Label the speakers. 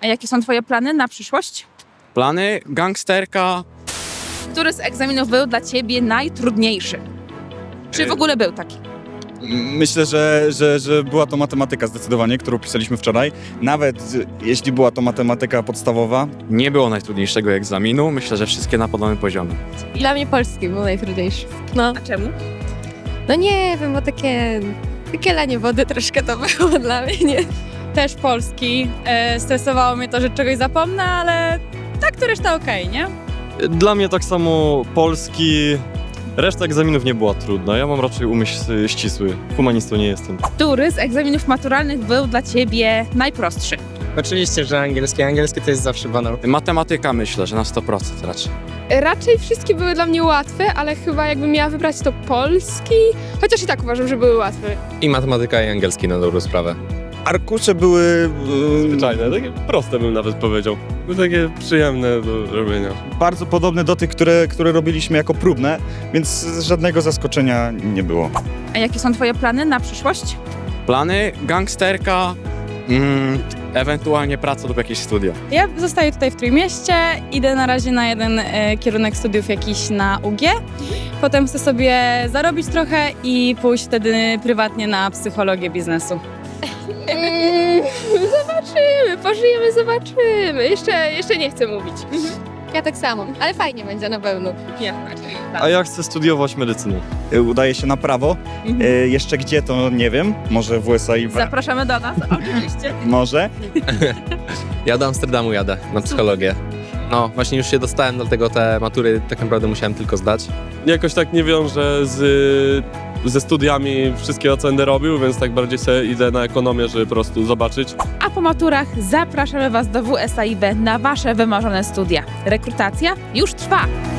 Speaker 1: A jakie są twoje plany na przyszłość?
Speaker 2: Plany? Gangsterka.
Speaker 1: Który z egzaminów był dla ciebie najtrudniejszy? Czy w ogóle był taki?
Speaker 3: Myślę, że była to matematyka zdecydowanie, którą pisaliśmy wczoraj. Nawet jeśli była to matematyka podstawowa.
Speaker 2: Nie było najtrudniejszego egzaminu. Myślę, że wszystkie na podobnym poziomie.
Speaker 4: Dla mnie polski był najtrudniejszy. No,
Speaker 1: A czemu?
Speaker 4: no nie wiem, bo takie lanie wody troszkę to było dla mnie, nie?
Speaker 5: Też polski. Stresowało mnie to, że czegoś zapomnę, ale tak to reszta okej, nie?
Speaker 6: Dla mnie tak samo polski. Reszta egzaminów nie była trudna. Ja mam raczej umysł ścisły. Humanistą nie jestem.
Speaker 1: Który z egzaminów maturalnych był dla ciebie najprostszy?
Speaker 7: Oczywiście, że angielski. Angielski to jest zawsze banał.
Speaker 2: Matematyka myślę, że na 100% raczej.
Speaker 8: Raczej wszystkie były dla mnie łatwe, ale chyba jakbym miała wybrać to polski, chociaż i tak uważam, że były łatwe.
Speaker 7: I matematyka i angielski na dobrą sprawę.
Speaker 3: Arkusze były
Speaker 6: Zwyczajne, takie proste bym nawet powiedział. Takie przyjemne do robienia.
Speaker 3: bardzo podobne do tych, które robiliśmy jako próbne, więc żadnego zaskoczenia nie było.
Speaker 1: A jakie są twoje plany na przyszłość?
Speaker 2: Plany? Gangsterka. Ewentualnie praca lub jakieś studia.
Speaker 5: Ja zostaję tutaj w Trójmieście, idę na razie na jeden kierunek studiów jakiś na UG. Potem chcę sobie zarobić trochę i pójść wtedy prywatnie na psychologię biznesu.
Speaker 8: Zobaczymy, pożyjemy, zobaczymy. Jeszcze nie chcę mówić.
Speaker 4: Ja tak samo, ale fajnie będzie na pewno.
Speaker 6: A ja chcę studiować medycynę.
Speaker 3: Udaje się na prawo. Jeszcze gdzie to nie wiem. Może w USA i
Speaker 1: Zapraszamy do nas, oczywiście.
Speaker 3: może.
Speaker 7: Ja do Amsterdamu jadę na psychologię. No, właśnie już się dostałem, dlatego te matury tak naprawdę musiałem tylko zdać.
Speaker 6: Jakoś tak nie wiążę ze studiami wszystkie oceny robił, więc tak bardziej sobie idę na ekonomię, żeby po prostu zobaczyć.
Speaker 1: A po maturach zapraszamy was do WSAIB na wasze wymarzone studia. Rekrutacja już trwa.